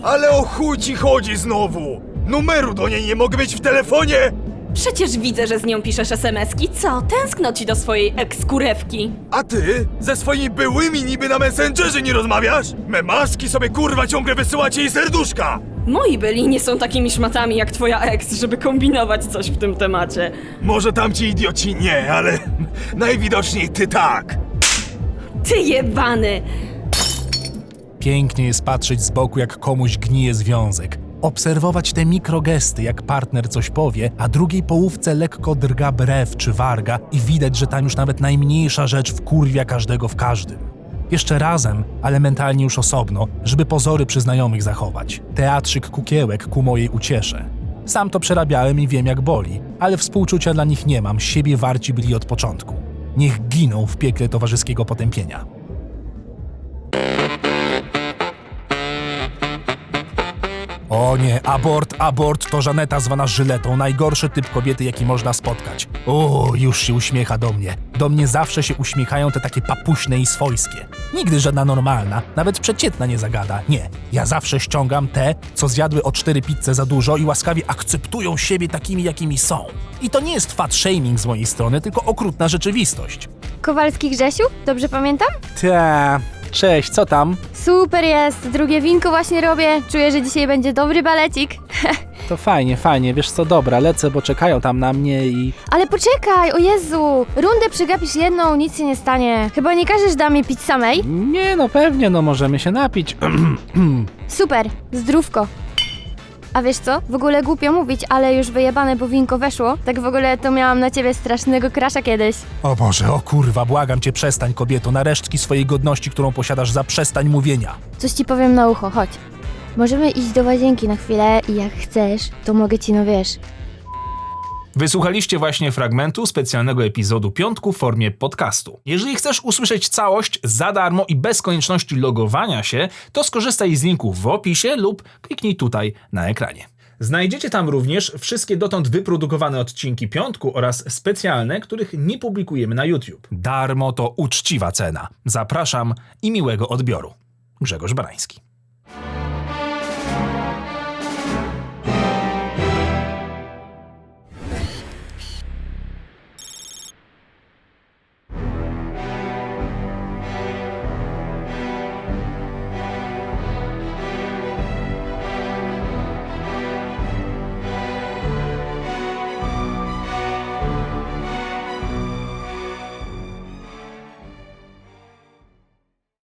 Ale o chuj ci chodzi znowu? Numeru do niej nie mogę mieć w telefonie? Przecież widzę, że z nią piszesz SMS-ki. Co? Tęskno ci do swojej eks-kurewki. A ty? Ze swoimi byłymi niby na Messengerze nie rozmawiasz? Memaski sobie kurwa ciągle wysyłacie jej serduszka! Moi byli nie są takimi szmatami jak twoja eks, żeby kombinować coś w tym temacie. Może tamci idioci nie, ale najwidoczniej ty tak. Ty jebany! Pięknie jest patrzeć z boku, jak komuś gnije związek. Obserwować te mikrogesty, jak partner coś powie, a drugiej połówce lekko drga brew czy warga i widać, że tam już nawet najmniejsza rzecz wkurwia każdego w każdym. Jeszcze razem, ale mentalnie już osobno, żeby pozory przy znajomych zachować. Teatrzyk kukiełek ku mojej uciesze. Sam to przerabiałem i wiem, jak boli, ale współczucia dla nich nie mam, siebie warci byli od początku. Niech giną w piekle towarzyskiego potępienia. O nie, abort, to Żaneta zwana Żyletą, najgorszy typ kobiety, jaki można spotkać. O, już się uśmiecha do mnie. Do mnie zawsze się uśmiechają te takie papuśne i swojskie. Nigdy żadna normalna, nawet przeciętna nie zagada. Nie, ja zawsze ściągam te, co zjadły o 4 pizze za dużo i łaskawie akceptują siebie takimi, jakimi są. I to nie jest fat shaming z mojej strony, tylko okrutna rzeczywistość. Kowalski Grzesiu? Dobrze pamiętam? Ta, cześć, co tam? Super jest, drugie winko właśnie robię. Czuję, że dzisiaj będzie dobry balecik. To fajnie, wiesz co, dobra, lecę, bo czekają tam na mnie i... Ale poczekaj, o Jezu! Rundę przegapisz jedną, nic się nie stanie. Chyba nie każesz damie pić samej? Nie, no pewnie, no możemy się napić. Super, zdrówko. A wiesz co? W ogóle głupio mówić, ale już wyjebane, bo winko weszło. Tak w ogóle to miałam na ciebie strasznego crusha kiedyś. O Boże, o kurwa, błagam cię, przestań, kobieto, na resztki swojej godności, którą posiadasz, zaprzestań mówienia. Coś ci powiem na ucho, chodź. Możemy iść do łazienki na chwilę i jak chcesz, to mogę ci, no wiesz... Wysłuchaliście właśnie fragmentu specjalnego epizodu Piątku w formie podcastu. Jeżeli chcesz usłyszeć całość za darmo i bez konieczności logowania się, to skorzystaj z linku w opisie lub kliknij tutaj na ekranie. Znajdziecie tam również wszystkie dotąd wyprodukowane odcinki Piątku oraz specjalne, których nie publikujemy na YouTube. Darmo to uczciwa cena. Zapraszam i miłego odbioru. Grzegorz Barański.